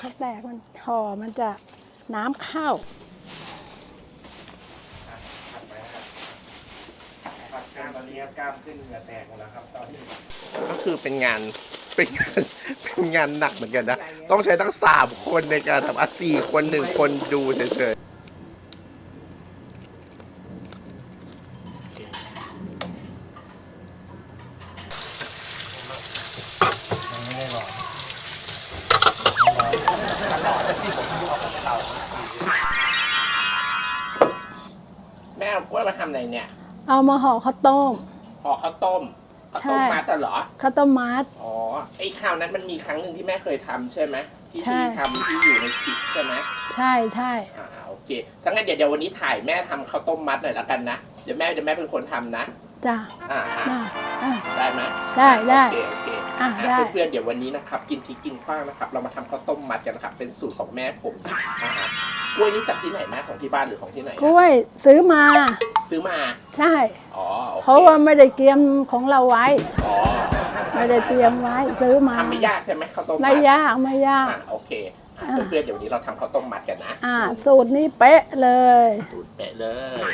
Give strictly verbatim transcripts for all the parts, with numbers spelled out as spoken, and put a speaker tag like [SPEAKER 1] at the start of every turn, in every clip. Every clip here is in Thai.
[SPEAKER 1] เขาแตกมันห่อมันจะน้ำเข้า
[SPEAKER 2] ผัดไปครับผัดกล้ามตอนนี้ครับกล้ามขึ้นเหงื่อแตกหมดแล้วครับตอนนี้ก็คือเป็นงานเป็นงานเป็นงานหนักเหมือนกันนะต้องใช้ทั้งสามคนในการทำอ่ะสี่คนหนึ่งคนดูเฉยๆแม่เอากล้วยมาทำอะไรเนี่ย
[SPEAKER 1] เอามาห่อข้าวต้ม
[SPEAKER 2] ห่อข้าวต้มข้าวต้มมัดเหรอ
[SPEAKER 1] ข้าวต้มมัด
[SPEAKER 2] อ๋อไอ้คราวนั้นมันมีครั้งหนึ่งที่แม่เคยทำใช่ไหมที่ที่ทำที่อยู่ในคลิปใช่ไหม
[SPEAKER 1] ใช่ใช่
[SPEAKER 2] อ่าโอเคถ้างั้นเดี๋ยวเดี๋ยววันนี้ถ่ายแม่ทำข้าวต้มมัดหน่อยแล้วกันนะเดี๋ยวแม่เดี๋ยวแม่เป็นคนทำนะ
[SPEAKER 1] จ้า
[SPEAKER 2] อ่า
[SPEAKER 1] ได้
[SPEAKER 2] ได้ไหม
[SPEAKER 1] ได้ได้
[SPEAKER 2] โอเคโอเค
[SPEAKER 1] อ่าได้
[SPEAKER 2] เพื่อนๆเดี๋ยววันนี้นะครับกินพริกกินขว้างนะครับเรามาทำข้าวต้มมัดกันนะครับเป็นสูตรของแม่ผมนะกล้วยนี่จากที่ไหนแม่ของที่บ้านหรือของที่ไหน
[SPEAKER 1] กล้วยซื้อมา
[SPEAKER 2] ซื้อมา
[SPEAKER 1] ใช่
[SPEAKER 2] อ๋อ
[SPEAKER 1] เพราะว่าไม่ได้เตรียมของเราไว้
[SPEAKER 2] อ๋อ
[SPEAKER 1] ไม่ได้เตรียมไว้ซื้อมา
[SPEAKER 2] ทำไม่ยากใช่ไหมข้าวต้มมัด
[SPEAKER 1] ไม่ยากไม่ยาก
[SPEAKER 2] โอเคเพื่อนๆเดี๋ยววันนี้เราทำข้าวต้มมัดกันนะ
[SPEAKER 1] อ่าสูตรนี้เป๊ะเลย
[SPEAKER 2] สูตรเป๊ะเลย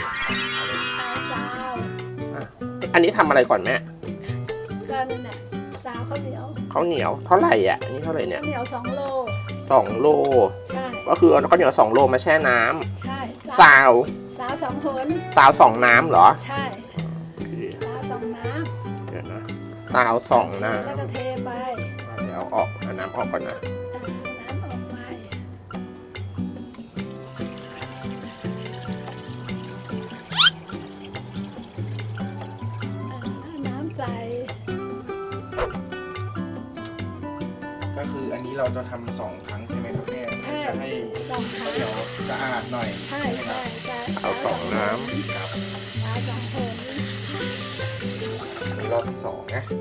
[SPEAKER 2] อันนี้ทำอะไรก่อนแม่
[SPEAKER 1] ก็นั่นแหละสาวข้าวเหนียว
[SPEAKER 2] ข้าวเหนียวเท่าไหร่อ่ะอันนี้เท่าไหร่เนี่ย
[SPEAKER 1] ข้าวเหนียวสองโล
[SPEAKER 2] สองโล
[SPEAKER 1] ใช่
[SPEAKER 2] ก็คือเอาข้าวเหนียวสองโลมาแช่น้
[SPEAKER 1] ำใช่
[SPEAKER 2] สาว
[SPEAKER 1] สาวสองคน
[SPEAKER 2] สาวสองน้ำเหรอ
[SPEAKER 1] ใช่สาวสองน้
[SPEAKER 2] ำเดี๋ยวนะสาวสองน้ำ
[SPEAKER 1] แล้วก็เทไป
[SPEAKER 2] เดี๋ยวออกเอาน้ำออกก่อนนะ
[SPEAKER 1] น้ำออกไปน้ำใส
[SPEAKER 2] ก็คืออันนี้เราจะทำสองครั้งใช่ไหมครับแม่
[SPEAKER 1] ใช่
[SPEAKER 2] จะให้
[SPEAKER 1] สองครั้ง
[SPEAKER 2] เดี๋ยวสะอาดหน่อย
[SPEAKER 1] ใช่ใช่ใช่
[SPEAKER 2] เอาสองน้ำครับ
[SPEAKER 1] เอาสองคน
[SPEAKER 2] รอบที่สองนะ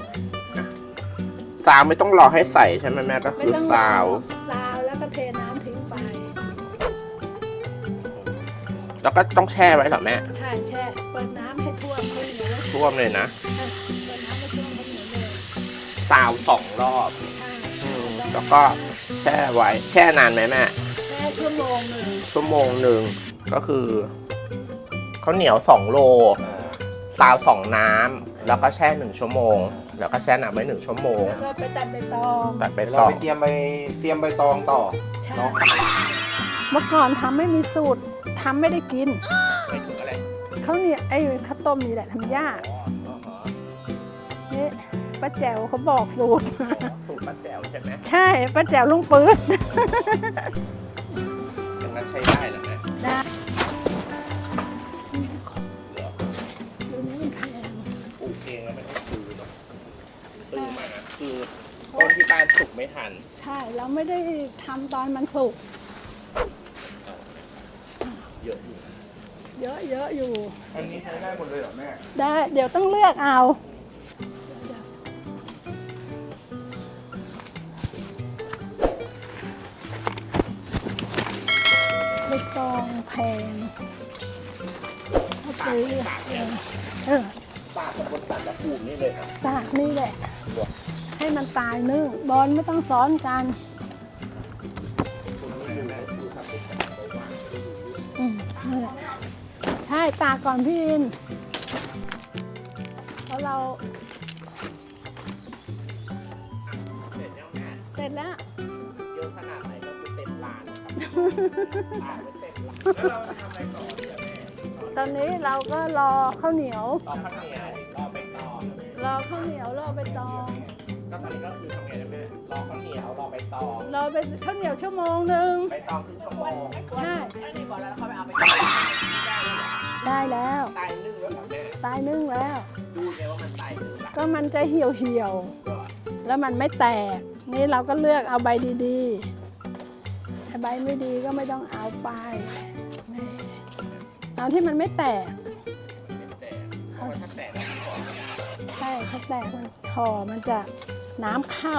[SPEAKER 2] ซาวไม่ต้องรอให้ใส่ใช่ไหมแม่ก็คือซาว
[SPEAKER 1] ซาวแล้วก็เทน้ำทิ้งไป
[SPEAKER 2] แล้วก็ต้องแช่ไว้เหรอแม่
[SPEAKER 1] ใช่แช่เปิดน้ำให้ท่วมข้าวเหนียว
[SPEAKER 2] ท่วมเลยนะ
[SPEAKER 1] เปิดน้ำให้ท่วมข้าวเหนียวเลย
[SPEAKER 2] ซาวสองรอบแล้วก็แช่ไว้แช่นานไหมแม่
[SPEAKER 1] แช่ชั่วโมงหนึ่ง
[SPEAKER 2] ชั่วโมงหนึ่งก็คือข้าวเหนียวสองโลซาวสองน้ำแล้วก็แช่หนึ่งชั่วโมงแล้วก็แช่น้ำไว้หนึ่งชั่วโมง
[SPEAKER 1] แล้วก็ไปตัดใบตอง
[SPEAKER 2] ตัดใบตองไปเตรียมใบเตรียมใบตองต่อเนาะ
[SPEAKER 1] เมื่อก่อนทำไม่มีสูตรทำไม่ได้กิน
[SPEAKER 2] ไม่ถึงอะไร
[SPEAKER 1] เขาเนี่ยไอ้ข้าวต้มนี่แหละทำยากนี่ป้าแจ๋วเขาบอกสูตร
[SPEAKER 2] สูตรป้าแจ๋วใช่ไหม
[SPEAKER 1] ใช่ป้าแจ๋วลุงปื๊ด
[SPEAKER 2] อย่างนั้นใช้ได้เหรอแม่
[SPEAKER 1] ได้
[SPEAKER 2] ปลูกเองแล้วไม่ต้องซื้อหรอกซื้อมาคือต้นที่บ้านสุกไม่ทัน
[SPEAKER 1] ใช่เราไม่ได้ทำตอนมันสุก
[SPEAKER 2] เยอะอยู่
[SPEAKER 1] เยอะเยอะอยู่
[SPEAKER 2] อันนี้ใช้ได้หมดเลยเหรอแม่
[SPEAKER 1] ได้เดี๋ยวต้องเลือกเอาใบตองแพงเขาซื้อเออ
[SPEAKER 2] ตากกับบนตัดและปลูกนี่เลยครับ
[SPEAKER 1] ตากนี่แหละให้มันตายนึ่งบอลไม่ต้องซ้อนกันอืมนี่แหละใช่ตากก่อนพี่อินเพราะเรา
[SPEAKER 2] เสร็จแล้วแม่
[SPEAKER 1] เสร็จแล้ว
[SPEAKER 2] เยอะขนาดไหนก็คือเต็มร้านครับตากไว้เต็มร้านแล้วเราทำอะไรต่อเนี่ยแม่
[SPEAKER 1] ตอนนี้เราก็รอข้าวเหนียว
[SPEAKER 2] รอข้าวเหนียวรอใบตอง
[SPEAKER 1] รอข้าวเหนียวรอใบตอง
[SPEAKER 2] ก็ตอนนี้ก็คือทำไงนะแม่รอข้าวเหนียวรอใบตอง
[SPEAKER 1] รอไปข้าวเหนียวชั่วโมงหนึ่ง
[SPEAKER 2] ใบตองครึ่งชั่วโมง
[SPEAKER 1] ใช่
[SPEAKER 2] อันนี้ก่อนแล้วเขาไปเอาไป
[SPEAKER 1] ได้แล้ว
[SPEAKER 2] ตายนึ่งแล้วแม่
[SPEAKER 1] ตายนึ่งแล้ว
[SPEAKER 2] ดูไงว่ามันตายนึ่ง
[SPEAKER 1] ก็มันจะเหี่ยวเหี่ยวแล้วมันไม่แตกนี่เราก็เลือกเอาใบดีๆถ้าใบไม่ดีก็ไม่ต้องเอาไปเอาที่มันไม่แตก
[SPEAKER 2] เขาแตก
[SPEAKER 1] ใช่เขาแตกมันห่อมันจะน้ำเข้า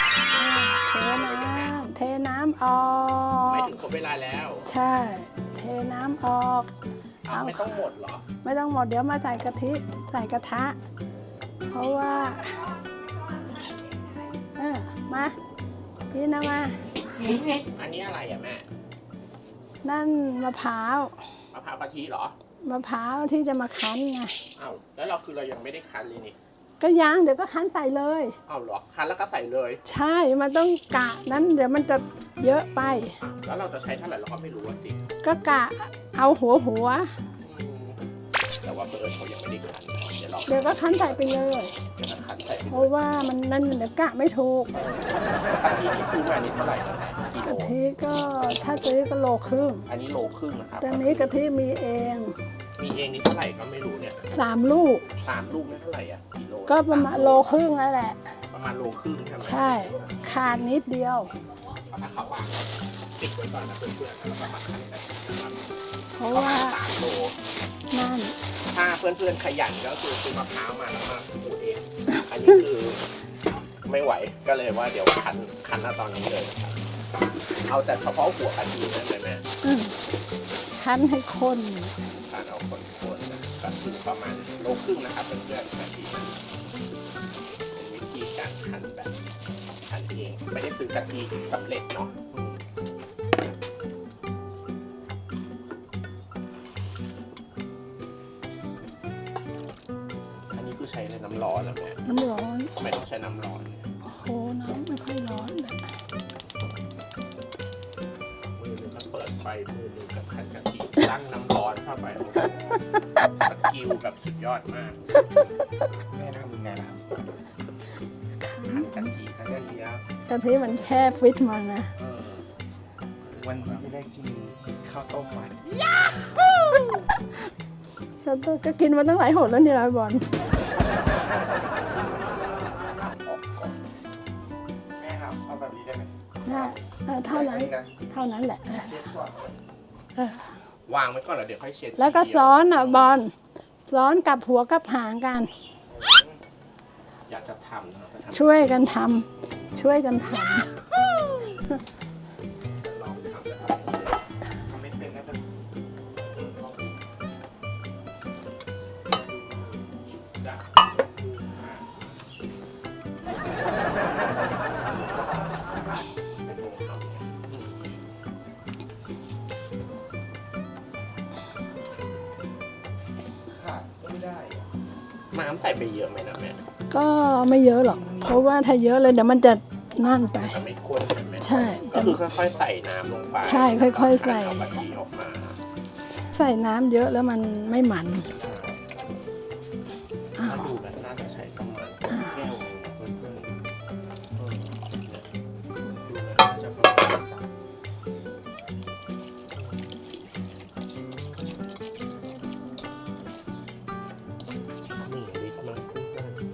[SPEAKER 1] เทน้ำเทน้ำออก
[SPEAKER 2] ไม่ถึงครบเวลาแล้ว
[SPEAKER 1] ใช่เทน้ำออก
[SPEAKER 2] เอาไม่ต้องหมดเหรอ
[SPEAKER 1] ไม่ต้องหมดเดี๋ยวมาใส่กะทิใส่กระทะ เพราะว่าเออมาพี่นะมา
[SPEAKER 2] อันนี้อะไรอ่ะแม่
[SPEAKER 1] นั่นมะพร้าว
[SPEAKER 2] มะพร้าวกะทิเหรอ
[SPEAKER 1] มะพร้าวที่จะมาคั้นไง
[SPEAKER 2] อ้าวแล้วเราคือเรายังไม่ได้คั้นเลยนี่
[SPEAKER 1] ก็ย่างเดี๋ยวก็คั้นใส่เลย
[SPEAKER 2] อ้าวเหรอคั้นแล้วก็ใส่เลย
[SPEAKER 1] ใช่มันต้องกะนั้นเดี๋ยวมันจะเยอะไป
[SPEAKER 2] แล้วเราจะใช้เท่าไหร่เราก็ไม่รู้อะสิ
[SPEAKER 1] ก็กะเอาหัวหัว
[SPEAKER 2] อืมแต่ว่าเพื่อนเขายังไม่ได้คั้นเดี๋ยวเรา
[SPEAKER 1] เดี๋ยวก็คั้นใส่ไปเลย
[SPEAKER 2] เดี๋ยวเราคั้นใส่ไป
[SPEAKER 1] เพ
[SPEAKER 2] เล
[SPEAKER 1] ราะ
[SPEAKER 2] ย
[SPEAKER 1] ว่ามันนั่นเดี๋ยวกะไม่ถูก
[SPEAKER 2] กะทิที่ซื้อมานี่เท่าไหร่นะกิโล
[SPEAKER 1] กะทิก็ถ้าซื้อก็โลครึ่ง
[SPEAKER 2] อันนี้โลครึ่งนะครับ
[SPEAKER 1] แต่นี้กะทิมีเอง
[SPEAKER 2] มีเองนี่เท่าไหร่ก็ไม่รู้เนี่ย
[SPEAKER 1] สามลูก
[SPEAKER 2] สามลูกนี่เท่าไหร่อ่ะกิโล
[SPEAKER 1] ก็ประมาณโลครึ่งนั่นแหละ
[SPEAKER 2] ประมาณโลครึ่งใช่ไหม
[SPEAKER 1] ใช่ขาดนิดเดียว
[SPEAKER 2] ถ้าเขาวางปิดไว้ก่อนนะเพื่อนๆแล้วก็มาคั้นกันนะครับ
[SPEAKER 1] เพราะ
[SPEAKER 2] ประ
[SPEAKER 1] ว่า
[SPEAKER 2] มาณสามโล
[SPEAKER 1] นั่น
[SPEAKER 2] ถ้าเพื่อนๆขยันก็คือซื้อมะพร้าวมาแล้วมาขูดเอง อันนี้คือไม่ไหวก็เลยว่าเดี๋ยวคั้นคั้นเอาตอนนี้เลยนะครับ เอาแต่เฉพาะหัวกะทินั่นเลยแม่
[SPEAKER 1] อืมคั้นให้ข้น
[SPEAKER 2] คั้นเอาคนๆนะก็คือประมาณโลครึ่งนะครับเพื่อนๆกะทิเป็นวิธีการคั้นแบบคั้นเองไม่ได้ซื้อกะทิสำเร็จเนาะอืมอันนี้คือใช้ในน้ำร้อนแล้วแม่
[SPEAKER 1] น้ำร้อน
[SPEAKER 2] ไม่ต้องใช้น้ำร้อนเนี่ย
[SPEAKER 1] โอ้โหน้ำไม่ค่อยร้อนเลย
[SPEAKER 2] มือหนึงก็เปิดไฟมือหนึงกับคั้นกะทิตั้งน้ำร้อนเข้าไปโอ้โหสกิลแบบสุดยอดมากแม่ทำยังไงล่ะคั้นกะทิคั้นกะทิครับ
[SPEAKER 1] กะทิมันแช่ฟิตมานะ
[SPEAKER 2] เออวันนี้จะได้กินข้าวต้มมัด
[SPEAKER 1] ฉันก็กินมาตั้งหลายหนแล้วเนี่ยบอล
[SPEAKER 2] แม่ครับเอาแบบนี้ได้ไหม
[SPEAKER 1] นะเออเท่านั้นเท่านั้นแหละเออ
[SPEAKER 2] วางไว้ก่อนแล้วเดี๋ยวค่อยเช็ด
[SPEAKER 1] แล้วก็ซ้อนอ่ะบอลซ้อนกับหัวกับหางกัน
[SPEAKER 2] อยากจะทำนะก็ทำ
[SPEAKER 1] ช่วยกันทำช่วยกันท
[SPEAKER 2] ลองทำแบบทำไม่เป็นก็จะจ้ะน้ำใส่ไปเยอะไหมนะแม่
[SPEAKER 1] ำก็ไม่เยอะหรอก เพราะว่าถ้าเยอะเลยเดี๋ยวมันจะนั่นไป
[SPEAKER 2] จะไม่ข้นใช่ไหม
[SPEAKER 1] ใช่
[SPEAKER 2] ก็คือค่อยๆใส่น้ำลงไป
[SPEAKER 1] ใช่ค่อยๆใส่
[SPEAKER 2] เอากะทิออกมา
[SPEAKER 1] ใส่น้ำเยอะแล้วมันไม่มัน
[SPEAKER 2] ถ้าดูแบบน่าจะใช้ประมาณแก้วหนึ่งเพื่อนๆเออเนี่ยดูแล้วน่าจะประมาณสามหนึ่งลิตรมั้งเพื่อนๆ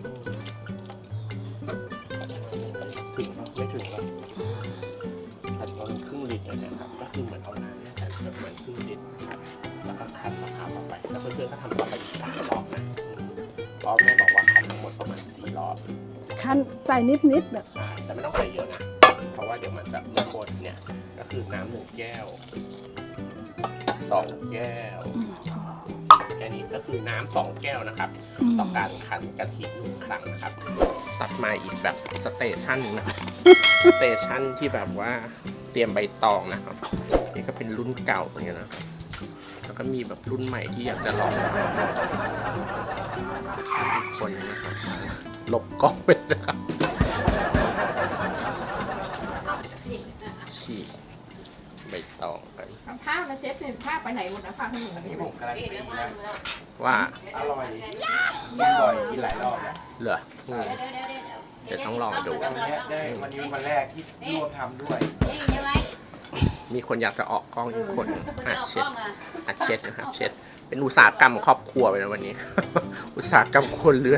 [SPEAKER 2] ถึงปะไม่ถึงปะแต่ประมาณครึ่งลิตรเลยนะครับก็คือเหมือนเอาน้ำเนี่ยใส่แบบเหมือนครึ่งลิตรนะครับแล้วก็คั้นมะพร้าวเข้าไปแล้วเพื่อนๆก็ทำต่อไปอีกสามรอบนะรอบแม่บอกว่าคั้นทั้งหมดประมาณสี่รอบ
[SPEAKER 1] คั้นใส่นิดๆแบบ
[SPEAKER 2] ใช่แต่ไม่ต้องใส่เยอะนะ เพราะว่าเดี๋ยวมันจะไม่ข้นเนี่ย ก็คือน้ำหนึ่งแก้วสองแก้ว แค่นี้ก็คือน้ำสองแก้วนะครับ ต่อการคั้นกะทิหนึ่งครั้งนะครับ ตัดมาอีกแบบสเตชันนึงนะครับ สเตชันที่แบบว่าเตรียมใบตองนะครับ นี่ก็เป็นรุ่นเก่าเหมือนกันนะ แล้วก็มีแบบรุ่นใหม่ที่อยากจะลองอีกคนนะครับหลบกล้องไปนะครับฉีกใบตองกัน
[SPEAKER 3] ผ้ามาเช็ดสิผ้าไปไหนหมดนะผ้าขนม
[SPEAKER 4] นี่ผมกำลังตีนะ
[SPEAKER 2] ว่า
[SPEAKER 4] อร่อยกินบ่อยกินหลายรอบแล้ว
[SPEAKER 2] เหรออืมเดี๋ยวต้องลองดู
[SPEAKER 4] วันนี้ได้วันนี้เป็นวันแรกที่ร่วมทำด้วย
[SPEAKER 2] มีคนอยากจะออกกล้องอีกคนหัดเช็ดหัดเช็ดนะครับเช็ด เป็นอุตสาหกรรมครอบครัวไปนะวันนี้ อุตสาหกรรมครัวเรือน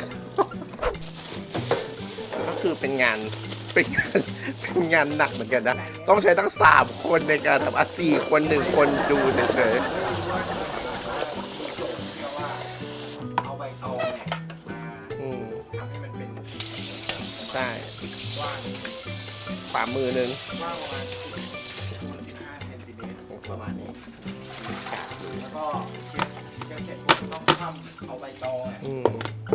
[SPEAKER 2] ก็คือเป็นงานเป็นงานเป็นงานหนักเหมือนกันนะ ต้องใช้ทั้งสามคนในการทำอ่ะสี่คนหนึ่งคนดูเฉย
[SPEAKER 4] เอาใบตองเนี่ยมา
[SPEAKER 2] ๆอืม
[SPEAKER 4] ทำให้มันเป็น
[SPEAKER 2] ใช่
[SPEAKER 4] กว้าง
[SPEAKER 2] ฝ่ามือหนึง
[SPEAKER 4] กว้างประมาณสิบคูณสิบห้าเซนติเมตรประมาณนี้ก็เช็ดเช็ดเสร็จปุ๊บต้องคว่ำเอาใบตองอ่ะ
[SPEAKER 2] อืม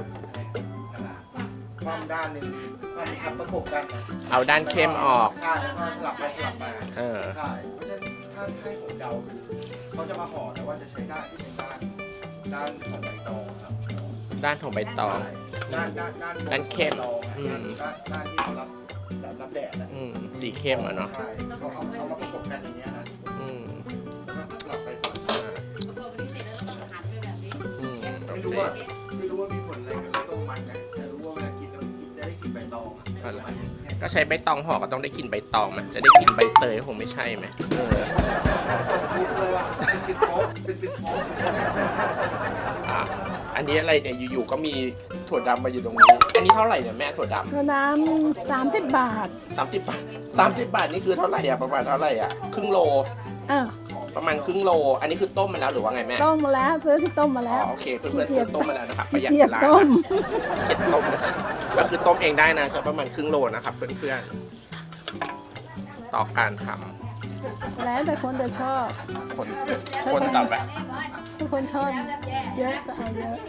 [SPEAKER 4] คว่ำด้านหนึ่งคว่ำทับประกบกันนะ
[SPEAKER 2] เอาด้านเข้มออก
[SPEAKER 4] ใช่แล้วก็สลับไปสลับมา
[SPEAKER 2] เออ
[SPEAKER 4] ใช่เพราะฉะนั้นถ้าให้ผมเดาคือเขาจะมาห่อแต่ว่าจะใช้ด้านที่เป็นด้านด้านของใบตองครับ
[SPEAKER 2] ด้านของใบตอง
[SPEAKER 4] ด้านด้านด้านบ
[SPEAKER 2] ด้านเข้ม
[SPEAKER 4] ใบตองอะ
[SPEAKER 2] อืม
[SPEAKER 4] ด้านด้านที่เขารับรับรับแดดนะ
[SPEAKER 2] อืมสีเข้มอ่ะเนาะ
[SPEAKER 4] ใช่เขาเอาเอามาประกบกันอย่างเงี้ยนะ
[SPEAKER 2] อืม
[SPEAKER 4] แล้วก็สลับไปสลับมา
[SPEAKER 3] ประกอบนี้เสร็จแล้วเราต้องหันไปแบบนี้
[SPEAKER 2] อืมโอ
[SPEAKER 4] ไม่
[SPEAKER 2] เค
[SPEAKER 4] รู้ว่าไม่รู้ว่ามีผลอะไรกับข้าวต้มมันนะแต่รู้ว่าเวลากินแล้วกินจะได้กินใบตองอะ
[SPEAKER 2] อะไร
[SPEAKER 4] มันแค่
[SPEAKER 2] ก็ใช้ใบตองห่อก็ต้องได้กินใบตองไหมจะได้กินใบเตยคงไม่ใช่ไหมเออ
[SPEAKER 4] ปุ๊บเลยว่ะเป็นติดโป๊ะเป็นติดโป๊ะ
[SPEAKER 2] อ่ะอันนี้อะไรเนี่ยอยู่ๆก็มีถั่วดำมาอยู่ตรงนี้ อันนี้เท่าไหร่เนี่ยแม่ถั่วด
[SPEAKER 1] โซดาสามสิบบาท
[SPEAKER 2] ำสามสิบบาทสามสิบบาทนี่คือเท่าไหร่อ่ะประมาณเท่าไหร่อ่ะครึ่งโล
[SPEAKER 1] เออ
[SPEAKER 2] ประมาณครึ่งโล อันนี้คือต้มมาแล้วหรือว่าไงแม่
[SPEAKER 1] ต้มมาแล้วซื้อที่ต้มมา
[SPEAKER 2] อ๋
[SPEAKER 1] แล้ว
[SPEAKER 2] อโอเคเพื่อนๆซื้อต้มมาแล้วนะครับประหยัด
[SPEAKER 1] เกีย
[SPEAKER 2] เว
[SPEAKER 1] ด
[SPEAKER 2] ลา
[SPEAKER 1] ต้ม
[SPEAKER 2] เก็บต้มนะครับก็คือต้มเองได้นะใช้ประมาณครึ่งโลนะครับเพื่อนๆต่อการท
[SPEAKER 1] แล้วแต่คนจะชอบ
[SPEAKER 2] ำคนคนต่อไป
[SPEAKER 1] ถ้าคนชอบเยอะก็เอาเยอะ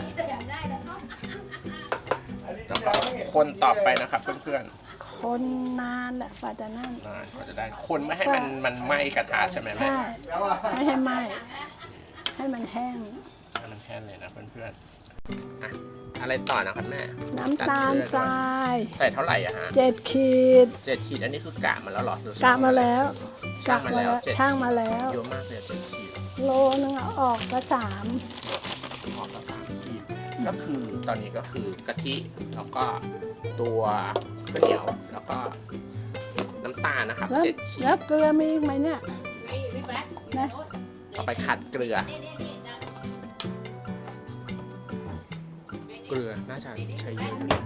[SPEAKER 2] แล้วก็คนต่อไปนะครับเพื่อน
[SPEAKER 1] คนนานแหละกว่าจะนั่น
[SPEAKER 2] ๆอ่าก็จะได้คนไม่ให้มันมันไหม้กระทะใช่ไหมแม่
[SPEAKER 1] ใช่ ไม่ให้ไหม้ให้มันแห้ง
[SPEAKER 2] ให้มันแค่เลยนะเพื่อนๆอ่ะอะไรต่อนะครับแม่
[SPEAKER 1] น้ำตาลทราย
[SPEAKER 2] ใส่เท่าไหร่อะฮะ
[SPEAKER 1] เจ็ดขีด
[SPEAKER 2] เจ็ดขีดอันนี้คือกะมาแล้วเหรอหรือก
[SPEAKER 1] ะมาแล้วกะ
[SPEAKER 2] ช่างมา
[SPEAKER 1] มา
[SPEAKER 2] แล้ว
[SPEAKER 1] แล้ว
[SPEAKER 2] เจ็ด
[SPEAKER 1] ช่างมาแล้ว
[SPEAKER 2] เยอะมากเลยอะเจ็ดขีด
[SPEAKER 1] โลนึงเอาออกก็สาม
[SPEAKER 2] หอมละสามขีดก็คือตอนนี้ก็คือกะทิแล้วก็ตัวข้าวเหนียวแล้วก็น้ำตาลนะครับ
[SPEAKER 1] แล้ว
[SPEAKER 2] เจ็ดขีด
[SPEAKER 1] แล้วเกลือมีอีกไหมเนี่ย
[SPEAKER 3] นี่พี่แป๊ะ
[SPEAKER 1] นะ
[SPEAKER 2] เอาไปขัดเกลือ
[SPEAKER 3] นี่นี่นี่นะ
[SPEAKER 2] เกลือน่าจะใช้เยอะอยู่นะ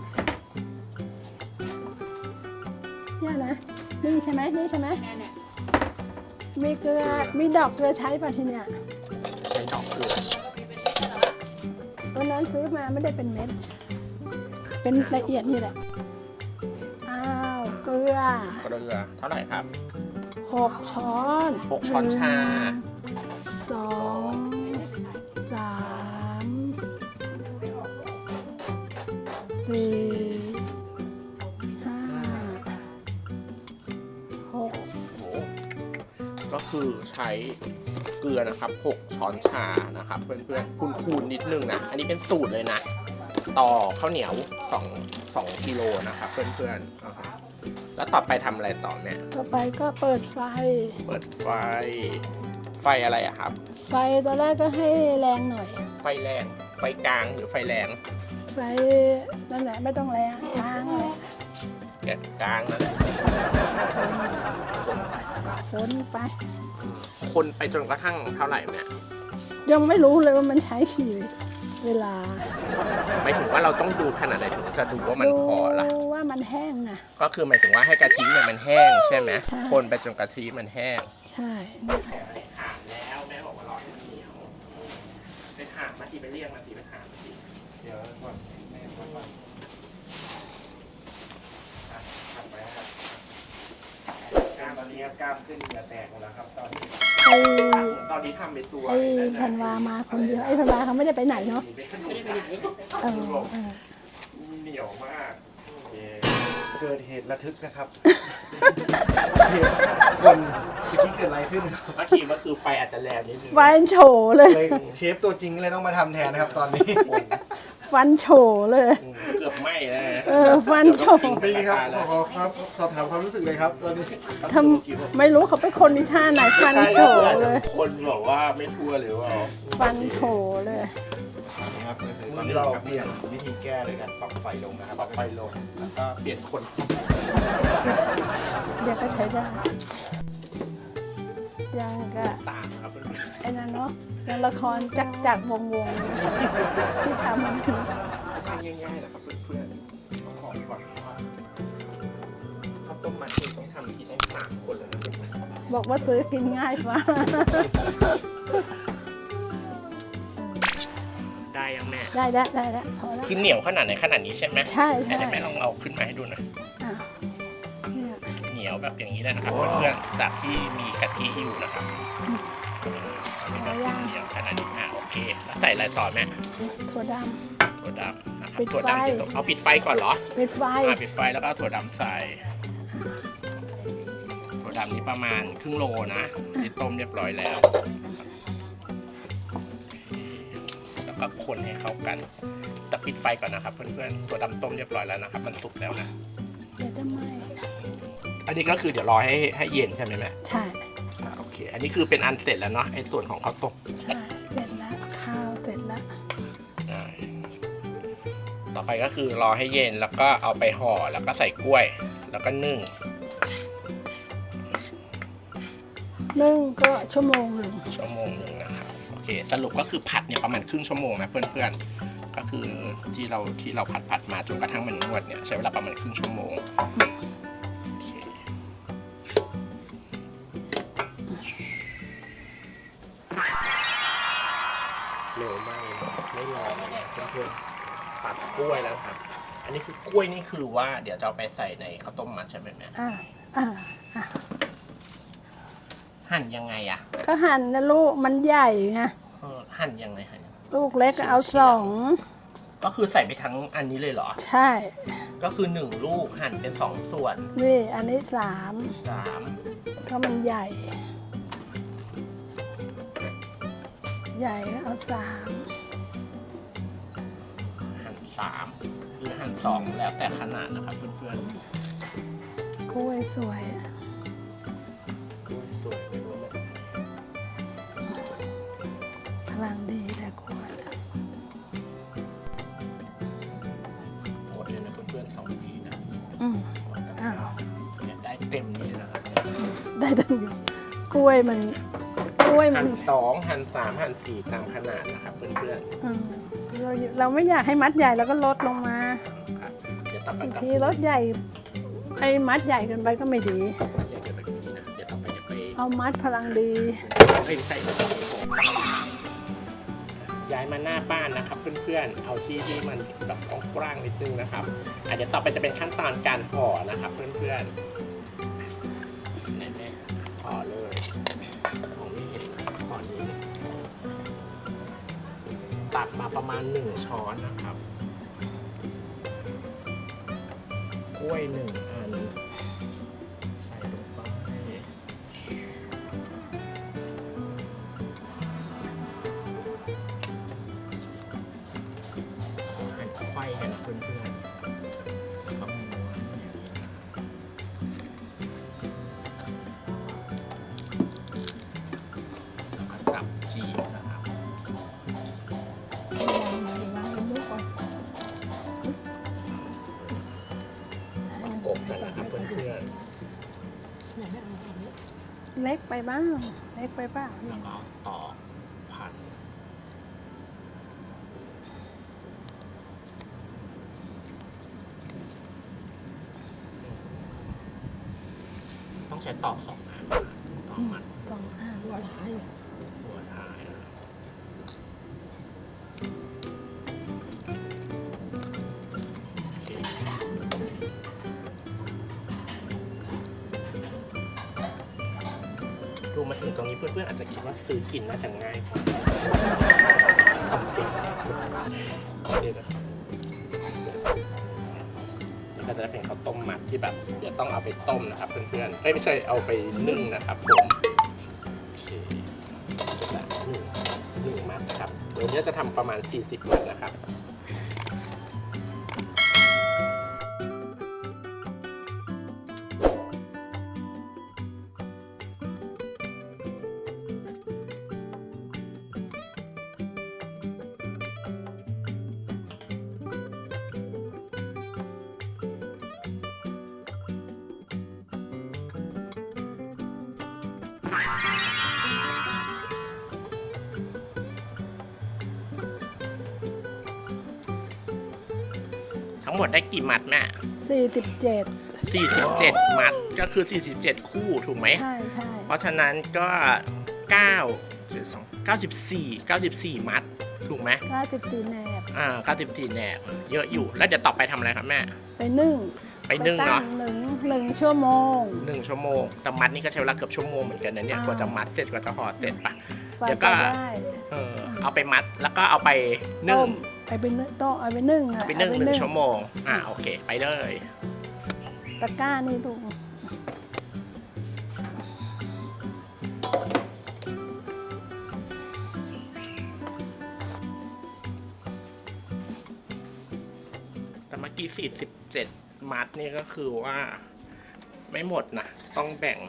[SPEAKER 1] เนี่ยนะนี่ใช่ไหมนี่ใช่ไหม
[SPEAKER 3] เนี่ยเนี่ย
[SPEAKER 1] มีเกลือมีดอกเกลือใช้ป่ะทีเนี่ย
[SPEAKER 2] ใช้ดอกเกลือ
[SPEAKER 1] วันนั้นซื้อมาไม่ได้เป็นเม็ด เป็นละเอียดนี่แหละ อ้าว เกลือ
[SPEAKER 2] เกลือเท่าไหร่ครับ
[SPEAKER 1] หกช้อน
[SPEAKER 2] หกช้อนชา
[SPEAKER 1] สองสามสี่ห้าหก
[SPEAKER 2] โอ้โหก็คือใช้เกลือนะครับหกช้อนชานะครับ เพื่อนๆคูณๆนิดนึงนะอันนี้เป็นสูตรเลยนะ ต่อข้าวเหนียวสองสองกิโลนะครับเพื่อนๆอ่าฮะแล้วต่อไปทำอะไรต่อเนี่ย
[SPEAKER 1] ต่อไปก็เปิดไฟ
[SPEAKER 2] เปิดไฟ ไฟอะไรอะครับ
[SPEAKER 1] ไฟตอนแรกก็ให้แรงหน่อย
[SPEAKER 2] ไฟแรง ไฟกลางหรือไฟแรง
[SPEAKER 1] ไฟนั่นแหละไม่ต้องแรงกลางแหละ
[SPEAKER 2] แกะกลางนั่นแหละ
[SPEAKER 1] คนไป
[SPEAKER 2] คนไปจนกระทั่งเท่าไหร่เนี่ย
[SPEAKER 1] ยังไม่รู้เลยว่ามันใช้ขี่เวลา
[SPEAKER 2] หมายถึงว่าเราต้องดูขนาดไหนถึงจะดูว่ามัน
[SPEAKER 1] ดู
[SPEAKER 2] พอละ
[SPEAKER 1] ว่ามันแห้งนะ
[SPEAKER 2] ก็คือหมายถึงว่าให้กะทิเนี่ยมันแห้งใช่ไหม
[SPEAKER 1] ใช่
[SPEAKER 2] คนไปจนกะทิมันแห้ง
[SPEAKER 1] ใช่เนี่ย
[SPEAKER 2] ถามแล้วแม่บอกว่าร้อนมันเหนียวไปถามมาทีไปเรียกมาทีไปถามมาที
[SPEAKER 4] เดี๋ยวก่อนแม่ก่อนก่อนอ่ะทำไปครับกล้ามตอนนี้ครับกล้ามขึ้นเหงื่อแตกหมดแล้วครับ ตอนนี้
[SPEAKER 1] ไอ้
[SPEAKER 2] ตอนนี้ทำเป็นตัว
[SPEAKER 1] ไอ้ธันวามาคนเดียวไอ้ธันวาเขาไม่ได้ไปไหนเนาะ
[SPEAKER 2] เป็นขน
[SPEAKER 3] ไม่
[SPEAKER 2] ม
[SPEAKER 3] ได้ไปไหน
[SPEAKER 1] เออเออ
[SPEAKER 2] เหนียวมากโอเค
[SPEAKER 4] เกิดเหตุระทึกนะครับ คนเมื่อกี้เกิดอะไรขึ้นครับ
[SPEAKER 2] เมื่อกี้ก็คือไฟอาจจะแรงนิดนึง
[SPEAKER 1] ฟันโฉเลย
[SPEAKER 4] เลยเชฟตัวจริงเลยต้องมาทำแทนนะครับ ตอนนี้
[SPEAKER 1] ฟันโฉเลย
[SPEAKER 2] อืมเกือบไหม้เลย
[SPEAKER 1] เออฟันโฉ
[SPEAKER 4] พี่ครับขอครับสอบถามความรู้สึกเลยครับตอนนี้
[SPEAKER 1] ทำไม่รู้เขาไปคนที่ท่าไหนฟันโฉเลย
[SPEAKER 2] คนบอกว่าไม่ทั่วหรือว่า
[SPEAKER 1] ฟันโฉเลย
[SPEAKER 4] ครับก็คือตอนนี้เราเปลี่ยนวิธีแก้เลยกันปรับไฟลงนะครับ
[SPEAKER 2] ปรับไฟลงแล้วก็เปลี่ยนคน
[SPEAKER 1] เดี๋ยวก็ใช้ได้ยังก็
[SPEAKER 2] สามครับเพื่อน
[SPEAKER 1] ไอ้นั่นเนาะยังละครจักจักวงวงที่ทำมัน
[SPEAKER 2] ๆช่างง่ายๆนะครับเพื่อนๆขอก่อนว่าข้าวต้มมัดนี่ต้องทำที่ต้องสามคนเลยนะเพื่อนๆ
[SPEAKER 1] บอกว่าซื้อกินง่ายฟ้า
[SPEAKER 2] ได้ยังแม่
[SPEAKER 1] ได้แล้วได้แล้วพอแล้ว
[SPEAKER 2] คือเหนียวขนาดไหนขนาดนี้ใช่ไหม
[SPEAKER 1] ใช่ใช่
[SPEAKER 2] แต่แม่ลองเอาขึ้นมาให้ดูหน่อย
[SPEAKER 1] อ่ะเนี่ย
[SPEAKER 2] เหนียวแบบอย่างนี้เลยนะครับเพื่อนๆจากที่มีกะทิอยู่นะครับ
[SPEAKER 1] พอ
[SPEAKER 2] ก็
[SPEAKER 1] เอา
[SPEAKER 2] คือ
[SPEAKER 1] ย่าง
[SPEAKER 2] เหนียวขนาดนี้อ่ะโอเคแล้วใส่อะไรต่อแม่
[SPEAKER 1] ถั่วด
[SPEAKER 2] ถั่วดำนะครับ
[SPEAKER 1] ปิด
[SPEAKER 2] ถั่ว
[SPEAKER 1] ไฟ
[SPEAKER 2] ดำที่ต้องเอาปิดไฟก่อนเหรอ
[SPEAKER 1] ำปิดไฟ
[SPEAKER 2] อ่าปิดไฟแล้วก็เอาถั่วดำใส่ถั่วดำนี้ประมาณครึ่งโลนะที่ต้มเรียบร้อยแล้วแล้วก็คนให้เข้ากันแต่ปิดไฟก่อนนะครับเพื่อนๆถั่วดำต้มเรียบร้อยแล้วนะครับมันสุกแล้วนะ
[SPEAKER 1] เดี๋ยวจะไหม
[SPEAKER 2] อันนี้ก็คือเดี๋ยวรอให้ให้เย็นใช่ไหมแม่
[SPEAKER 1] ใช่
[SPEAKER 2] อ่าโอเค อันนี้คือเป็นอันเสร็จแล้วเนาะไอ้ส่วนของข้าวต้ม
[SPEAKER 1] ใช่เสร็จแล้วข้าวเสร็จแล้ว
[SPEAKER 2] อ่าต่อไปก็คือรอให้เย็นแล้วก็เอาไปห่อแล้วก็ใส่กล้วย แล้วก็นึ่ง
[SPEAKER 1] นึ่งก็ชั่วโมงหนึ่ง
[SPEAKER 2] ชั่วโมงหนึ่งนะครับโอเคสรุปก็คือผัดเนี่ยประมาณครึ่งชั่วโมงนะเพื่อนๆก็คือที่เราที่เราผัดผัดมาจนกระทั่งมันนวดเนี่ยใช้เวลาประมาณครึ่งชั่วโมงโอเคเร็วมากเลยนะไม่รอเลยนะเพื่อนๆผัดกล้วยแล้วครับ อันนี้คือกล้วยนี่คือว่าเดี๋ยวจะเอาไปใส่ในข้าวต้มมัดใช่ไหมแม่
[SPEAKER 1] อ่าอ่าอ่า
[SPEAKER 2] หั่นยังไงอะ
[SPEAKER 1] ก็หั่นนะลูกมันใหญ่ไง
[SPEAKER 2] เออหั่นยังไงหั่นยังไง
[SPEAKER 1] ลูกเล็กเอาสอง
[SPEAKER 2] ก็คือใส่ไปทั้งอันนี้เลยเหรอ
[SPEAKER 1] ใช่
[SPEAKER 2] ก็คือหนึ่งลูกหั่นเป็นสองส่วน
[SPEAKER 1] นี่อันนี้สาม
[SPEAKER 2] สาม
[SPEAKER 1] ก็มันใหญ่ ใหญ่ก็เอาสาม
[SPEAKER 2] หั่นสามหรือหั่นสองแล้วแต่ขนาดนะครับเพื่อน
[SPEAKER 1] กล้วยสวย
[SPEAKER 2] ๆสวยไปหมดเลย
[SPEAKER 1] พลังดีแต่กล้วย
[SPEAKER 2] หมดเลยนะเพื่อนๆสองทีนะ
[SPEAKER 1] อืม
[SPEAKER 2] หมดแต่
[SPEAKER 1] อ้าว
[SPEAKER 2] เนี่ยได้เต็มนี้นะครับ
[SPEAKER 1] ได้ตั้งเยอะกล้วยมันกล้วยมั
[SPEAKER 2] หั่
[SPEAKER 1] น
[SPEAKER 2] นสองหั่นสามหั่นสี่ตามขนาดนะครับเพื่อน
[SPEAKER 1] อืมเราเราไม่อยากให้มัดใหญ่แล้วก็ลดลงมา
[SPEAKER 2] ๆครับเดี๋ยวต่อไป
[SPEAKER 1] บาง
[SPEAKER 2] ก็
[SPEAKER 1] ทีรถใหญ่ไอ้มัดใหญ่เกินไปก็ไม่ดี
[SPEAKER 2] อยากจะไปดูดีนะเดี๋ยวต่อไปจะไป
[SPEAKER 1] เอามัดพลังดี
[SPEAKER 2] ไม่ใช่ย้ายมาหน้าบ้านนะครับเพื่อนๆ เอาที่ที่มันแบบกว้างๆนิดนึงนะครับอาจจะเดี๋ยวต่อไปจะเป็นขั้นตอนการห่อนะครับเพื่อนๆแน่ๆห่อเลยผมไม่เห็นนะห่อนี้ตัดมาประมาณหนึ่งช้อนนะครับกล้วยหนึ่งอันใส่ลงไป หั่นไขว้กันเพื่อนๆแล้วก็ม้วนอย่างนี้แล้วก็จับจีบนะครับประกบกันนะครับเพื่อน
[SPEAKER 1] เล็กไปบ้างเล็กไปบ้าง
[SPEAKER 2] ๆแล้วก็ต่อพันต้องใช้ตอกสองอันตอกมัน
[SPEAKER 1] ต้องอ่านว่าท้าย
[SPEAKER 2] หัวท้ายนะโอเคดูมาถึงตรงนี้เพื่อนๆอาจจะคิดว่าซื้อกินน่าจะง่ายกว่าทำเองนี่นะครับนี่ก็จะเป็นข้าวต้มมัดที่แบบเดี๋ยวต้องเอาไปต้มนะครับเพื่อนๆเอ้ยไม่ใช่เอาไปนึ่งนะครับผมโอเคเสร็จแล้วหนึ่งหนึ่งมัดนะครับเดี๋ยวนี้จะทำประมาณสี่สิบมัดนะครับ ทั้งหมดได้กี่มัดแม่
[SPEAKER 1] สี่สิบเจ็ด
[SPEAKER 2] สี่สิบเจ็ดมัดก็คือสี่สิบเจ็ดคู่ถูกไหม
[SPEAKER 1] ใช่ใช่
[SPEAKER 2] เพราะฉะนั้นก็เก้า เก้าสิบสี่ เก้าสิบสี่มัดถูกไหม
[SPEAKER 1] เก้าสิบสี่แหนบ
[SPEAKER 2] อ่าเก้าสิบสี่แหนบเยอะอยู่แล้วเดี๋ยวต่อไปทำอะไรครับแม่
[SPEAKER 1] ไปนึ่ง
[SPEAKER 2] ไปนึ่งเนาะ
[SPEAKER 1] ตั้หนึ่งหนึ่งชั่วโมง
[SPEAKER 2] หนึ่งชั่วโมงแต่มัดนี่ก็ใช้เวลาเกือบชั่วโมงเหมือนกันนะเนี่ย
[SPEAKER 1] อ่าก
[SPEAKER 2] ว่าจะมัดเสร็จกว่าจะห่อเสร็จปะ
[SPEAKER 1] ไฟ
[SPEAKER 2] เดี๋ยว
[SPEAKER 1] ก็
[SPEAKER 2] ก็
[SPEAKER 1] ได้
[SPEAKER 2] เออเอาไปมัดแล้วก็เอาไปนึ่
[SPEAKER 1] ต้
[SPEAKER 2] ง
[SPEAKER 1] มไปเป็นต้องเอาไปนึ่ง
[SPEAKER 2] เอาไปนึ่งหนึ่งชั่วโมงอ่าโอเคไปเลย
[SPEAKER 1] ตะกร้านี่ดู
[SPEAKER 2] แต่เมื่อกี้สี่สิบเจ็ดมัดนี่ก็คือว่าไม่หมดนะต้องแบ่ง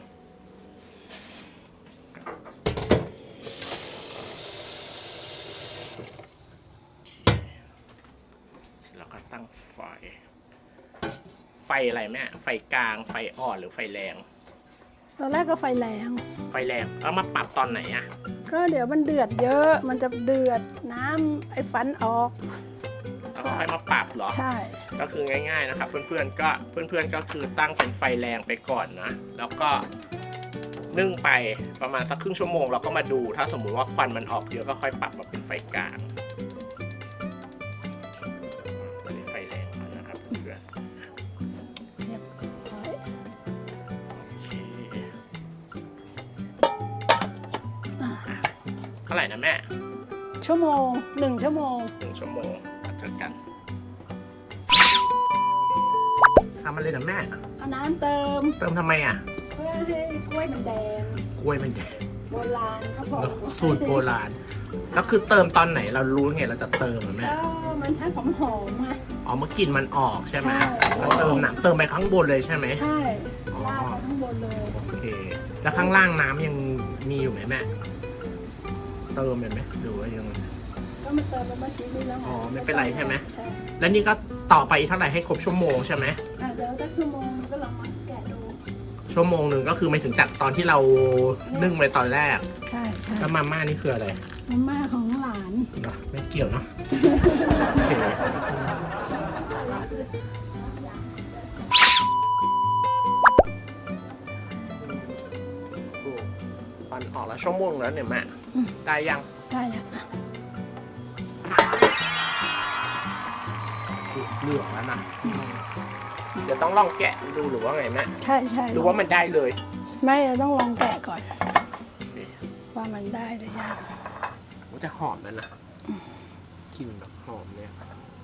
[SPEAKER 2] แล้วก็ตั้งไฟ ไฟอะไรแม่ไฟกลางไฟอ่อนหรือไฟแรง
[SPEAKER 1] ตอนแรกก็ไฟแรง
[SPEAKER 2] ไฟแรงแล้วมาปรับตอนไหนอะ
[SPEAKER 1] ก็เดี๋ยวมันเดือดเยอะ มันจะเดือดน้ำไอ้ฟันออก
[SPEAKER 2] แล้วก็ค่อยมาปรับเหรอ
[SPEAKER 1] ใช่
[SPEAKER 2] ก็คือง่ายๆนะครับ เพื่อนๆก็เพื่อนๆก็คือตั้งเป็นไฟแรงไปก่อนนะแล้วก็นึ่งไปประมาณสักครึ่งชั่วโมงเราก็มาดูถ้าสมมุติว่าควันมันออกเยอะก็ค่อยปรับมาเป็นไฟกลางตอนนี้ไฟแรงแล้วนะครับเพื่อน
[SPEAKER 1] เรียบร้อย
[SPEAKER 2] ๆโอเค
[SPEAKER 1] อ่ะ
[SPEAKER 2] เท่าไหร่นะแม่
[SPEAKER 1] ชั่วโมงหนึ่งชั่วโมง
[SPEAKER 2] หนึ่งชั่วโมงมาเจอกันทำอะไรนะแม่
[SPEAKER 1] เอาน้ำเติม
[SPEAKER 2] เติมทำไมอ่ะ
[SPEAKER 1] เพื่อให้กล้วยมันแดง
[SPEAKER 2] กล้วยมันแดง
[SPEAKER 1] โบราณเขาบอก
[SPEAKER 2] สูตรโบราณแล้วคือเติมตอนไหนเรารู้ไงเราจะเติมอ่ะแม่
[SPEAKER 1] ก็มันใช้หอมหอมๆอ่ะ
[SPEAKER 2] อ๋อเมื่อกลิ่นมันออกใช่ไหม
[SPEAKER 1] ใช่
[SPEAKER 2] แล้วเติมน้ำเติมไปข้างบนเลยใช่ไหม
[SPEAKER 1] ใช่
[SPEAKER 2] อ๋อ
[SPEAKER 1] ลาดไปข้างบนเลย
[SPEAKER 2] โอเค แล้วข้างล่างน้ำยังมีอยู่ไหมแม่ เติมเลยไหมหรือว่ายัง
[SPEAKER 1] ก็มาเติมไปเมื่อกี้นี้แล้วไง
[SPEAKER 2] อ๋อไม่เป็นไรใช่ไหม
[SPEAKER 1] ใช่
[SPEAKER 2] แล้วนี่ก็ต่อไปอีกเท่าไหร่ให้ครบชั่วโมงใช่ไหม
[SPEAKER 1] อ่ะเดี๋ยวสักชั่วโมงก็ลองมาแกะดู
[SPEAKER 2] ชั่วโมงหนึ่งก็คือไม่ถึงจากตอนที่เรานึ่งไปตอนแรก
[SPEAKER 1] ใช่ใช่
[SPEAKER 2] แล้วมาม่านี่คืออะไร
[SPEAKER 1] มาม่าของหลาน
[SPEAKER 2] เนอะไม่เกี่ยวเนาะโอเคฟันออกแล้วชั่วโมงแล้วเนี่ยแม่ได้ยัง
[SPEAKER 1] ได้แล้ว
[SPEAKER 2] เหลืองแล้วนะเดี๋ยวต้องลองแกะดูหรือว่าไงแม่
[SPEAKER 1] ใช่ใช่
[SPEAKER 2] หรือว่ามันได้เลย
[SPEAKER 1] ไม่เราต้องลองแกะก่อน ว่ามันได้หรือยัง
[SPEAKER 2] มันจะหอมแล้วนะกลิ่นแบบหอมเนี่ย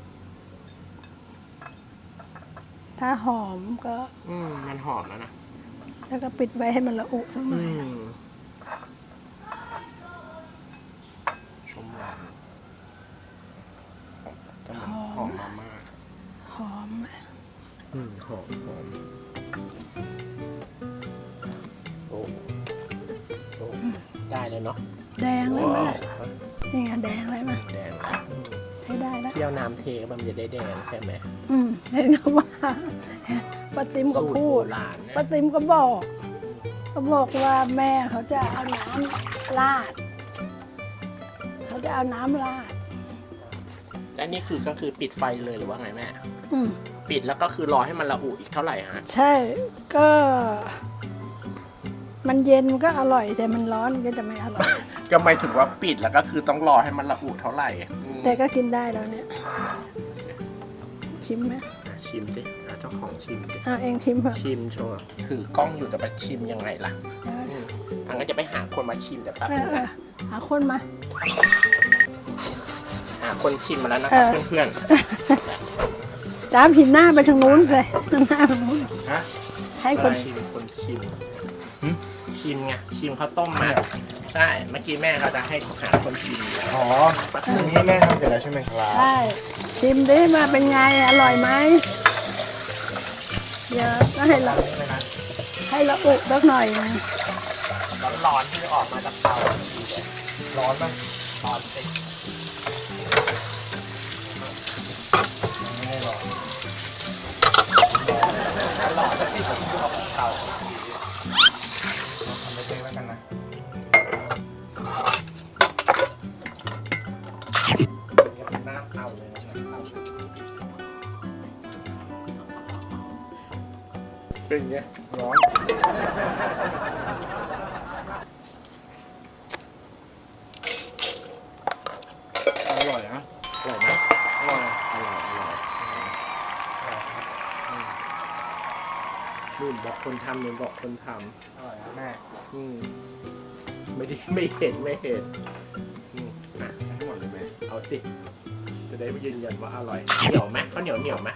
[SPEAKER 1] ถ้าหอมก็
[SPEAKER 2] อืมมันหอมแล้วนะ
[SPEAKER 1] แล้วก็ปิดไว้ให้มันละอุสักหน่
[SPEAKER 2] อื
[SPEAKER 1] อย
[SPEAKER 2] มชมหอมจะมันหอมมามาก
[SPEAKER 1] หอม
[SPEAKER 2] อืมหอมหอมโอ้โอ้ได้เลยเนาะ
[SPEAKER 1] แดงเลยไหม
[SPEAKER 2] ว้าว
[SPEAKER 1] ล่ะนี่ไงแดงเลยมั้ย
[SPEAKER 2] แดงแล้วอืม
[SPEAKER 1] ใช้ได้แล้ว
[SPEAKER 2] เที่ยวน้ำเทมันจะได้แดงใช่ไหม
[SPEAKER 1] อืมเห็นเขาว่าป้าซิมก็
[SPEAKER 2] สูตร
[SPEAKER 1] พู
[SPEAKER 2] โบ
[SPEAKER 1] ด
[SPEAKER 2] ราณเนี่ย
[SPEAKER 1] ป้าซิมก็บอกก็บอกว่าแม่เขาจะเอาน้ำราดเขาจะเอาน้ำราด
[SPEAKER 2] และนี่คือก็คือปิดไฟเลยหรือว่าไงแม่
[SPEAKER 1] อืม
[SPEAKER 2] ปิดแล้วก็คือรอให้มันระอุอีกเท่าไหร่ฮะ
[SPEAKER 1] ใช่ก็ มันเย็นก็อร่อยแต่มันร้อนก็จะไม่อร่อย
[SPEAKER 2] ก็หมายถึงว่าปิดแล้วก็คือต้องรอให้มันระอุเท่าไหร่อืม
[SPEAKER 1] แต่ก็กินได้แล้วเนี่ย ชิมไหม
[SPEAKER 2] อ่ะชิมสิอ่ะเจ้าของชิมสิ
[SPEAKER 1] อ่ะเองชิมเถอะ
[SPEAKER 2] ชิมโชว์ถือกล้องอยู่แต่ไปชิมยังไงล่ะอืมอันก็จะไปหาคนมาชิมเดี๋ยวแป๊บ
[SPEAKER 1] เอ
[SPEAKER 2] นึ
[SPEAKER 1] อง เออ
[SPEAKER 2] นะ
[SPEAKER 1] หาคนมา
[SPEAKER 2] หาคนชิมมาแล้วนะครับ
[SPEAKER 1] เออ
[SPEAKER 2] เพื่อน
[SPEAKER 1] จ้ามผินหน้าไปทางนู้นเลยทางหน้าทางนู้น
[SPEAKER 2] ๆฮะ
[SPEAKER 1] ให้
[SPEAKER 2] ค
[SPEAKER 1] คน
[SPEAKER 2] นชิมคนชิมชิมไงชิมข้าวต้มมาใช่เมื่อกี้แม่เขาจะให้หาคนชิม
[SPEAKER 4] อ๋ออันนี้แม่ทำเสร็จแล้วใช่ไหมครับ
[SPEAKER 1] ใช่ชิมดิมาเป็นไงอร่อยไหมเดี๋ยวก็ให้เราให้เราอุสักหน่อยนึง
[SPEAKER 2] ร้อนๆที่ออกมาจากเตา
[SPEAKER 4] ร้อนไหม
[SPEAKER 2] ร้อนสิ
[SPEAKER 4] ไม่ได้ร้อน
[SPEAKER 2] ร้อนที่ผมออกจากเตา
[SPEAKER 4] ทำไปเองแล้วกันนะ
[SPEAKER 2] เป็นน้ำเตาเลยนะครับเป็นไง
[SPEAKER 4] ร้อนอร่อยนะ
[SPEAKER 2] อร่อยไหม
[SPEAKER 4] อร่อย
[SPEAKER 2] อร่อยอร่อยนู่นบอกคนทำนู่นบอกคนท
[SPEAKER 4] อร่อยนะแม่
[SPEAKER 2] ำอืมไม่ได้ไม่เห็นไม่เห็นอืมอ่ะ
[SPEAKER 4] ทั้งหมดเลยไหม
[SPEAKER 2] เอาสิ จะได้ยืนยันว่าอร่อย เหนียวไหมข้าวเหนียวเหนียวไหม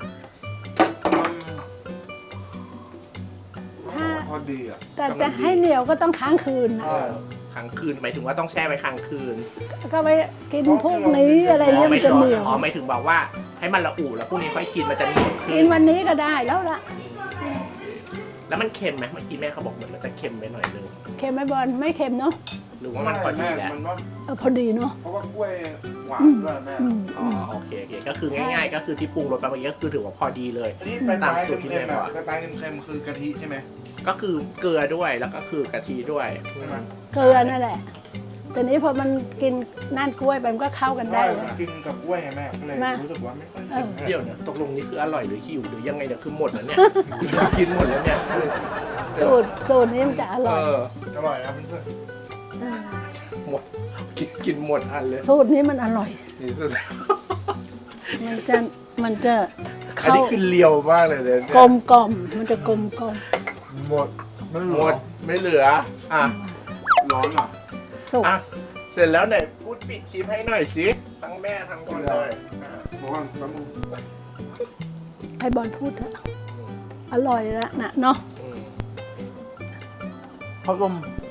[SPEAKER 1] ถ้า
[SPEAKER 4] พอดีอ่ะ
[SPEAKER 1] แต่จะให้เหนียวก็ต้องค้างคืนนะ
[SPEAKER 2] เออค้างคืนหมายถึงว่าต้องแช่ไว้ค้างคืน
[SPEAKER 1] ก็ไปกินพวกนี้อะไรเงี้ยมันจะเหนียว
[SPEAKER 2] อ๋อหมายถึงบอกว่าให้มันละอุแล้วพรุ่งนี้ค่อยกินมันจะเหนียวขึ้
[SPEAKER 1] กินวันนี้ก็ได้แล้วละ
[SPEAKER 2] แล้วมันเค็มไหมเมื่อกี้แม่เขาบอกเหมือนมันจะเค็มไปหน่อยนึง
[SPEAKER 1] เค็มไหมบอลไม่เค็มเนาะ
[SPEAKER 2] หรือว่ามันพอดีแล้ว
[SPEAKER 4] มันว่า
[SPEAKER 1] เออพอดีเนาะ
[SPEAKER 4] เพราะว่ากล้วยหวานด้วยแม่
[SPEAKER 1] อืม
[SPEAKER 2] อ๋อโอเคโอเคก็คือง่ายๆ ก็คือที่ปรุงรสไปเมื่อกี้ก็คือถือว่าพอดีเลย
[SPEAKER 4] อันนี้ปลายปลาย
[SPEAKER 2] ตามสูตรที่
[SPEAKER 4] เค็ม
[SPEAKER 2] แม่
[SPEAKER 4] ๆ
[SPEAKER 2] บ
[SPEAKER 4] อ่ะ
[SPEAKER 2] อก
[SPEAKER 4] ปลายปลายเค็มๆคือกะทิใช่ไหม
[SPEAKER 2] ก็คือเกลือด้วยแล้วก็คือกะทิด้วย
[SPEAKER 4] ใช่ไหม
[SPEAKER 1] เกลือนั่นแหละแต่นี้พอมันกินนั่นกล้วยไปมันก็เข้ากันได้
[SPEAKER 4] ใช่
[SPEAKER 1] เลย
[SPEAKER 4] กินกับกล้วยไงแม่ก็เลย
[SPEAKER 1] มา
[SPEAKER 4] รู้สึกว่าไม่ค่อย
[SPEAKER 1] เอ
[SPEAKER 4] เค็
[SPEAKER 1] อ
[SPEAKER 4] ม
[SPEAKER 2] เดี๋ยวนะตกลงนี่คืออร่อยหรือหิวหรือยังไงเนี่ยคือหมดแล้วเนี่ย กินหมดแล้วเนี่ย
[SPEAKER 1] สูตรสูตรนี้มันจะอ
[SPEAKER 2] เอ
[SPEAKER 1] ร่อย
[SPEAKER 2] อ
[SPEAKER 4] อร่อยนะเพื่อน
[SPEAKER 1] เออ
[SPEAKER 2] หมดกินกินหมดอันเลย
[SPEAKER 1] สูตรนี้มันอร่อย
[SPEAKER 2] นี่สุด
[SPEAKER 1] มันจะมันจะ
[SPEAKER 2] อัน
[SPEAKER 1] เข้า
[SPEAKER 2] นี้คือเลียวมากเลยเนี่ย
[SPEAKER 1] กลมกล่อมมันจะกลมกล่อม
[SPEAKER 4] ๆหมดไม่เห
[SPEAKER 2] ห
[SPEAKER 4] ลื
[SPEAKER 2] ม
[SPEAKER 4] อ
[SPEAKER 2] ดไม่เหลืออ่ะ
[SPEAKER 4] ร้อนเหรอ
[SPEAKER 1] สุก
[SPEAKER 2] อ่ะเสร็จแล้วไหนพูดปิดชิมให้หน่อยสิทั้งแม่ทั้งบอลเลยอ่ะ
[SPEAKER 4] บอกว่าแป๊บนึง
[SPEAKER 1] ให้บอลพูดเถอะอร่อยแล้วนะเนาะ
[SPEAKER 2] อืม
[SPEAKER 4] ข้าวต้ม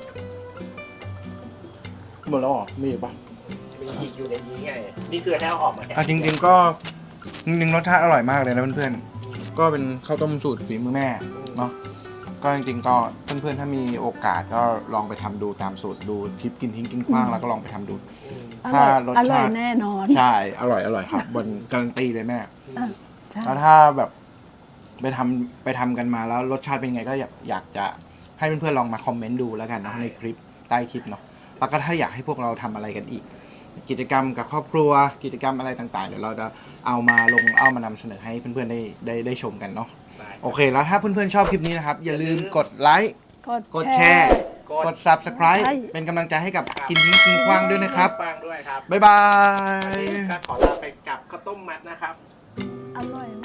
[SPEAKER 4] หมดแล้วเหรอมีอีกปะ
[SPEAKER 2] มีอีกอยู่ในนี้ไงนี่คือให้เอาออกมาแค่
[SPEAKER 4] อ่ะจริง ๆ ก็จริงๆรสชาติอร่อยมากเลยนะเพื่อนๆก็เป็นข้าวต้มสูตรฝีมือแม่เนาะก็จริงๆก็เพื่อนๆถ้ามีโอกาสก็ลองไปทำดูตามสูตรดูคลิปกินทิ้งกินขว้างแล้วก็ลองไปทำดู
[SPEAKER 2] อืม
[SPEAKER 1] อ
[SPEAKER 4] ถ้า
[SPEAKER 1] ร่อย
[SPEAKER 4] รส
[SPEAKER 1] อร่อย
[SPEAKER 4] ชาติ
[SPEAKER 1] แน่นอน
[SPEAKER 4] ใช่อร่อยอร่อยครับบนการันตีเลยแม่
[SPEAKER 1] อ่ะใช่
[SPEAKER 4] แล้วถ้าแบบไปทำไปทำกันมาแล้วรสชาติเป็นยังไงก็อยากอยากจะให้เพื่อนๆลองมาคอมเมนต์ดูแล้วกันเนาะในคลิปใต้คลิปเนาะแล้วก็ถ้าอยากให้พวกเราทำอะไรกันอีก กิจกรรมกับครอบครัวกิจกรรมอะไรต่างๆเดี๋ยวเราจะเอามาลงเอามานำเสนอให้เพื่อนๆได้ได้ได้ชมกันเนาะ
[SPEAKER 2] ได้
[SPEAKER 4] โอเค แล้วถ้าเพื่อนๆชอบคลิปนี้นะครับอย่าลืมกดไลค์ กดแชร์ กด Subscribe
[SPEAKER 1] ใช่
[SPEAKER 4] เป็นกำลังใจให้กับกินทิ้งกินขว้างด้วยนะครับ
[SPEAKER 2] ฟังด้วยครับ
[SPEAKER 4] บ๊ายบา
[SPEAKER 2] วัน
[SPEAKER 4] ย
[SPEAKER 2] นี้ก็ขอลาไปกับข้าวต้มมัดนะครับ
[SPEAKER 1] อร่อยมาก